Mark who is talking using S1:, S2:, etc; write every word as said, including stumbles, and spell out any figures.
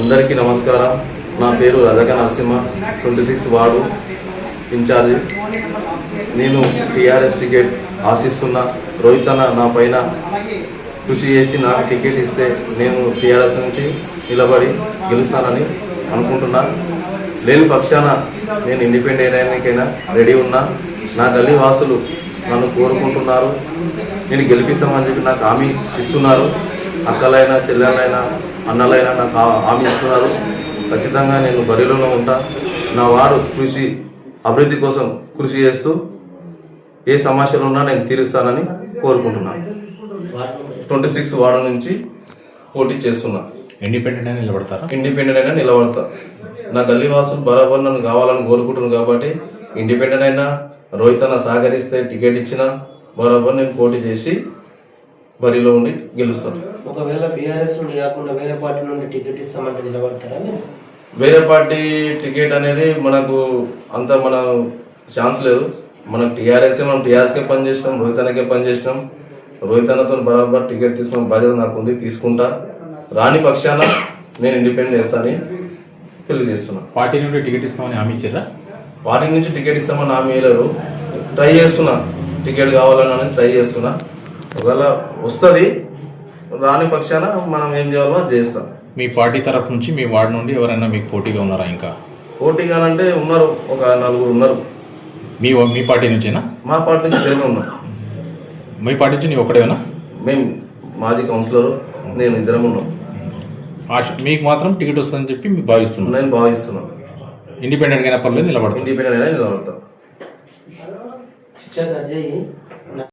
S1: అందరికీ నమస్కారం. నా పేరు Rajaka Narasimha, twenty six ward incharge. నేను టీఆర్ఎస్ టికెట్ ఆశిస్తున్న రోహిత్ అన్న నా పైన కృషి చేసి నాకు టికెట్ ఇస్తే నేను టీఆర్ఎస్ నుంచి నిలబడి గెలుస్తానని అనుకుంటున్నా. లేని పక్షాన నేను ఇండిపెండెంట్ అయినాకైనా రెడీ ఉన్నా. నా గల్లీ వాసులు నన్ను కోరుకుంటున్నారు, నేను గెలిపిస్తామని చెప్పి నాకు హామీ ఇస్తున్నారు. అక్కలైనా చెల్లెలైనా అన్నలైనా నాకు హామీ ఇస్తున్నారు. ఖచ్చితంగా నేను బరిలోనే ఉంటా. నా వారు కృషి అభివృద్ధి కోసం కృషి చేస్తూ ఏ సమస్యలు ఉన్నా నేను తీరుస్తానని కోరుకుంటున్నాను. ట్వంటీ సిక్స్ వార్డు నుంచి పోటీ చేస్తున్నా.
S2: ఇండిపెండెంట్ అయినా నిలబడతారా?
S1: ఇండిపెండెంట్ అయినా నిలబడతా. నా గల్లీ వాసులు బరాబర్ నన్ను కావాలని కోరుకుంటున్నాను కాబట్టి ఇండిపెండెంట్ అయినా రోహిత్ అన్న సహకరిస్తే టికెట్ ఇచ్చినా బరాబర్ నేను పోటీ చేసి బరిలో ఉండి గెలుస్తాను.
S3: ఒకవేళ బీఆర్ఎస్ నుండి కాకుండా వేరే పార్టీ నుండి టికెట్ ఇస్తామంటే నిలబడతారా మీరు?
S1: వేరే పార్టీ టికెట్ అనేది మనకు అంత మన ఛాన్స్ లేదు. మనకు టీఆర్ఎస్ మనం టీఆర్ఎస్కే పనిచేసినాం, రోహిత్ అన్నకే పనిచేసినాం. రోహిత్ అన్నతో బరాబర్ టికెట్ తీసుకునే బాధ్యత నాకు ఉంది, తీసుకుంటా. రాని పక్షాన నేను ఇండిపెండెంట్ చేస్తానని తెలియజేస్తున్నా.
S2: పార్టీ నుండి టికెట్ ఇస్తామని హామీ ఇచ్చారా?
S1: పార్టీ నుంచి టికెట్ ఇస్తామని హామీ వేయలేరు. ట్రై చేస్తున్నా, టికెట్ కావాలని ట్రై చేస్తున్నా. ఒకవేళ వస్తుంది, రాని పక్షాన మనం ఏం చేయాలో అది చేస్తాం.
S2: మీ పార్టీ తరఫు నుంచి మీ వార్డు నుండి ఎవరైనా మీకు పోటీగా ఉన్నారా? ఇంకా
S1: పోటీగా అంటే ఉన్నారు, ఒక నలుగురు ఉన్నారు.
S2: మీ మీ పార్టీ నుంచేనా?
S1: మా పార్టీ నుంచి ఇద్దరే ఉన్నాం.
S2: మీ పార్టీ నుంచి నీ ఒక్కడేనా?
S1: మేము మాజీ కౌన్సిలర్, నేను ఇద్దరం ఉన్నాం.
S2: ఆశ మీకు మాత్రం టికెట్ వస్తుందని చెప్పి మీకు భావిస్తున్నాను.
S1: నేను భావిస్తున్నాను.
S2: ఇండిపెండెంట్ అయినా పర్లేదు నిలబడతాను.
S1: ఇండిపెండెంట్ అయినా నిలబడతా.